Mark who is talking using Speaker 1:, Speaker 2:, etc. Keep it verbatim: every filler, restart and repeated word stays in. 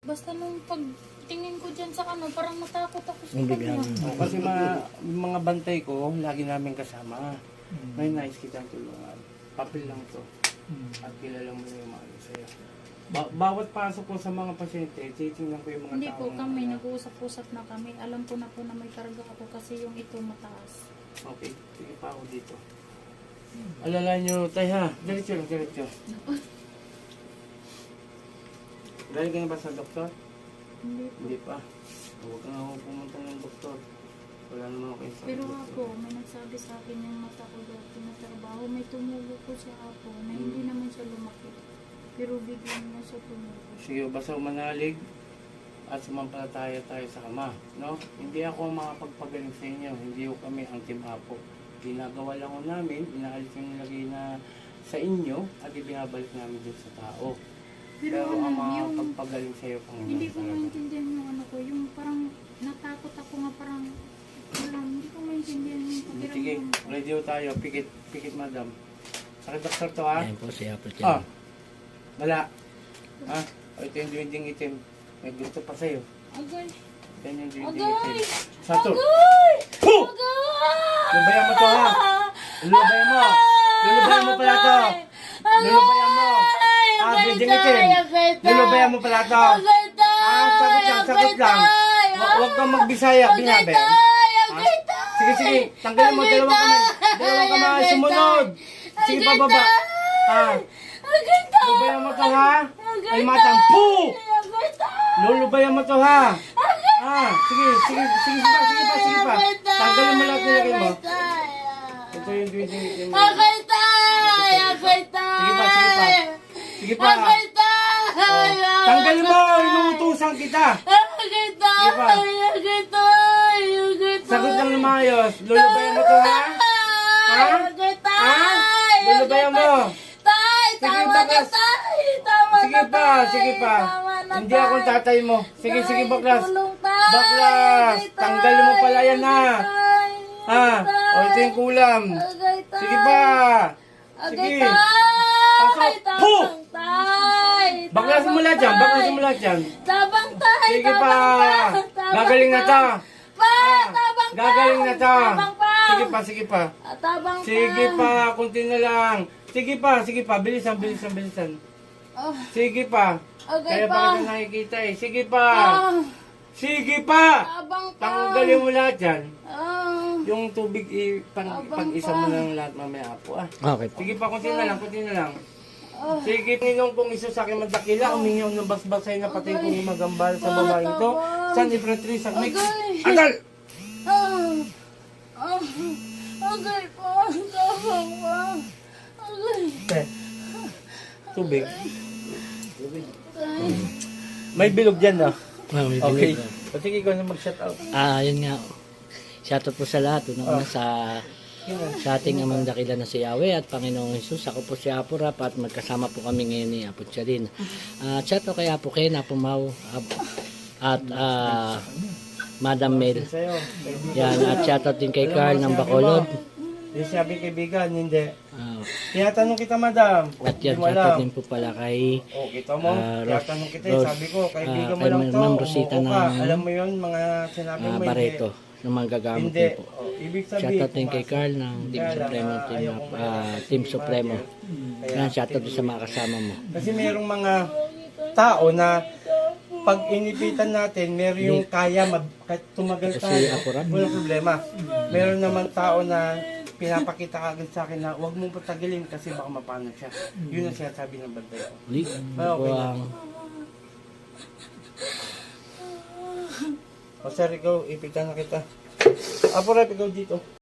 Speaker 1: Basta nung pagtingin ko dyan sa ano, parang natakot ako sa
Speaker 2: Hindi
Speaker 1: kanya.
Speaker 2: ganun.
Speaker 3: Oh, kasi mga, mga bantay ko, lagi namin kasama. May nais kitang tulungan. Papel lang to. At kilala mo na yung mga ano sa'yo. Ba- bawat pasok ko sa mga pasyente, titingnan ko yung mga
Speaker 1: Hindi
Speaker 3: tao.
Speaker 1: po kami, nag-uusap-usap na kami. Alam ko na po na may karga ako kasi yung ito mataas.
Speaker 3: Okay, sige pa ako dito. Alala nyo, tay ha. Diretso lang, diretso. Galing ka na ba sa doktor?
Speaker 1: Hindi po.
Speaker 3: Hindi pa. Huwag ka na ako pumunta ng doktor. Wala naman ako kayo sa
Speaker 1: Pero
Speaker 3: doktor.
Speaker 1: ako, may nagsabi sa akin yung mata ko dati na trabaho, may tumubo ko siya ako na hindi naman siya lumaki. Pero bigyan niya siya tumubo.
Speaker 3: Sige, basta manalig at sumampalataya tayo sa Ama. No? Hindi ako makapagpagaling sa inyo. Hindi ko kami ang Team Apo. Ginagawa lang ko namin, inaalis yung nilagay na sa inyo at ibinabalik namin dun sa tao.
Speaker 1: Pero,
Speaker 3: Pero
Speaker 1: ano,
Speaker 3: ang mga
Speaker 1: yung,
Speaker 3: pagpagaling sa iyo, Panginoon.
Speaker 1: hindi ko
Speaker 3: talaga.
Speaker 1: maintindihan yung ano ko, yung parang natakot ako nga parang, wala, hindi ko maintindihan yung
Speaker 3: Sige,
Speaker 1: pakiramdam ko.
Speaker 3: ready ho tayo. Pikit, pikit madam. Sakit doktor to ha?
Speaker 2: Ayan po siya po
Speaker 3: Ah,
Speaker 2: dyan.
Speaker 3: wala. Ha? O, ito yung duwinding itim. May gusto pa sa'yo.
Speaker 1: Agay!
Speaker 3: Yan yung duwinding
Speaker 1: Agay!
Speaker 3: itim. Sato!
Speaker 1: Agay!
Speaker 3: Puh!
Speaker 1: Agay!
Speaker 3: Lubayan mo to ha! Lulubayan mo! Lulubayan mo pala to! Lulubayan mo! Ah, duwinding itim! Lulubayan mo pala to! Ah, sagot lang, sagot lang! Hu- Huwag kang magbisaya, binabe! Sige, sige! Tanggalin mo, dalawang kamay! Dalawang kamay, sumunod! Sige, pababa! Ah, lulubayan mo to ha! Ay, matang! Puh! Lulubayan mo to ha! Ah, sige, sige, sige pa, sige pa, sige pa! Tanggalin mo lahat nilagay mo. Ito yung duwinding itim.
Speaker 1: Agay tay! Agay tay!
Speaker 3: Sige pa, sige pa. Sige pa.
Speaker 1: Agay tay!
Speaker 3: Oh, tanggalin mo! Inuutusan kita!
Speaker 1: Agay tay!
Speaker 3: Sige pa.
Speaker 1: Agay tay! Agay tay!
Speaker 3: Sagot lang na maayos. Lulubayan mo to ha? Ha?
Speaker 1: Agay
Speaker 3: Ha?
Speaker 1: tay!
Speaker 3: Lulubayan mo.
Speaker 1: Tay!
Speaker 3: Sige,
Speaker 1: Tama na
Speaker 3: baklas.
Speaker 1: tay! Tama
Speaker 3: Sige
Speaker 1: na
Speaker 3: pa,
Speaker 1: tay!
Speaker 3: sige pa.
Speaker 1: Tama na,
Speaker 3: Hindi
Speaker 1: tay.
Speaker 3: akong tatay mo. Sige, sige,
Speaker 1: Tay,
Speaker 3: baklas.
Speaker 1: tulong, tay!
Speaker 3: Baklas.
Speaker 1: Agay, tay!
Speaker 3: Tanggalin mo pala yan ha.
Speaker 1: Agay,
Speaker 3: Ha?
Speaker 1: tay!
Speaker 3: O, ito yung kulam.
Speaker 1: Agay, tay!
Speaker 3: Sige pa.
Speaker 1: Agay,
Speaker 3: Sige.
Speaker 1: tay!
Speaker 3: Pasok. Puh!
Speaker 1: Tabang, tay!
Speaker 3: Baklasin mo lahat dyan. Baklasin mo lahat dyan.
Speaker 1: Tabang, tay!
Speaker 3: Sige
Speaker 1: Tabang,
Speaker 3: pa.
Speaker 1: tay! Tabang,
Speaker 3: Gagaling na
Speaker 1: tay!
Speaker 3: to.
Speaker 1: Pa!
Speaker 3: Ah,
Speaker 1: Tabang, pa!
Speaker 3: Gagaling na to.
Speaker 1: Tabang, pa!
Speaker 3: Sige pa, sige pa.
Speaker 1: Ah, Tabang,
Speaker 3: Sige pa, kunti na lang. Sige pa, sige pa. Bilisan, bilisan, bilisan.
Speaker 1: Oh,
Speaker 3: Sige pa.
Speaker 1: agay
Speaker 3: Kaya
Speaker 1: pa!
Speaker 3: pa kita nakikita eh. Sige pa.
Speaker 1: Ah,
Speaker 3: Sige pa.
Speaker 1: tabang, pa!
Speaker 3: Tanggalin mo lahat yan.
Speaker 1: Ah,
Speaker 3: Yung tubig, i- pang,
Speaker 1: Abang
Speaker 3: pag-isa
Speaker 1: pa.
Speaker 3: mo lang lahat mamaya po ah.
Speaker 2: Okay po.
Speaker 3: Sige pa, kunti na lang, kunti na lang.
Speaker 1: ah.
Speaker 3: Sige, Panginoon kong Isus sa akin madakila, umingaw ng basbasay na patay kong magambal sa babaeng ito. San Ifratri, sa mix.
Speaker 1: Agay!
Speaker 3: Adal!
Speaker 1: Ah, ah, agay pa! Tabang, pa! Agay!
Speaker 3: Eh, tubig.
Speaker 1: Tay!
Speaker 3: May bilog dyan ah.
Speaker 2: Ah, may
Speaker 3: Okay.
Speaker 2: bilig.
Speaker 3: O sige, ikaw na mag-shout out.
Speaker 2: Ah, yun nga. Shoutout po sa lahat. Una-una
Speaker 3: Oh.
Speaker 2: sa sa ating amang dakila na si Yahweh at Panginoong Jesus. Ako po si Apo Rap at magkasama po kami ngayon ni Apo Charin. Ah, shoutout kay Apo Ken, Apo Mau, Ap- at ah, Madam Mel.
Speaker 3: Sa'yo.
Speaker 2: Yan, at shoutout din kay Carl ng Bacolod.
Speaker 3: Yung sabi kaibigan, hindi.
Speaker 2: Ah,
Speaker 3: Tinatanong kita, madam.
Speaker 2: at yan,
Speaker 3: Hindi mo
Speaker 2: shoutout
Speaker 3: alam.
Speaker 2: din po pala kay
Speaker 3: O, kita mo,
Speaker 2: Ah, Ros-
Speaker 3: tinatanong kita, eh,
Speaker 2: Ros-
Speaker 3: sabi ko, kaibigan
Speaker 2: ah,
Speaker 3: mo
Speaker 2: kay
Speaker 3: lang to,
Speaker 2: Ma'am Rosita
Speaker 3: umuo ka.
Speaker 2: ng-
Speaker 3: Alam mo yun, mga sinabi
Speaker 2: ah,
Speaker 3: mo,
Speaker 2: Barreto ng mga gagamot
Speaker 3: hindi.
Speaker 2: din po.
Speaker 3: O, ibig sabihin,
Speaker 2: Shoutout din kay
Speaker 3: pumasok.
Speaker 2: Carl ng Team
Speaker 3: Kaya lang,
Speaker 2: Supremo,
Speaker 3: ah,
Speaker 2: Team,
Speaker 3: ayaw
Speaker 2: ah,
Speaker 3: kong malakas
Speaker 2: Team
Speaker 3: si
Speaker 2: Supremo.
Speaker 3: Mother. Kaya,
Speaker 2: Yan, shoutout din sa mga kasama mo.
Speaker 3: Kasi merong mga tao na pag inipitan natin, meron yung kaya mag, kahit tumagal
Speaker 2: Kasi
Speaker 3: tayo,
Speaker 2: ako rin.
Speaker 3: walang problema. Meron naman tao na pinapakita kagad sa akin na huwag mong patagilin kasi baka mapano siya. Yun ang sinasabi ng bantay ko.
Speaker 2: Uli,
Speaker 3: Ah, okay na.
Speaker 2: ang
Speaker 3: O sir, ikaw, ipitan na kita. Apo rep, ikaw dito.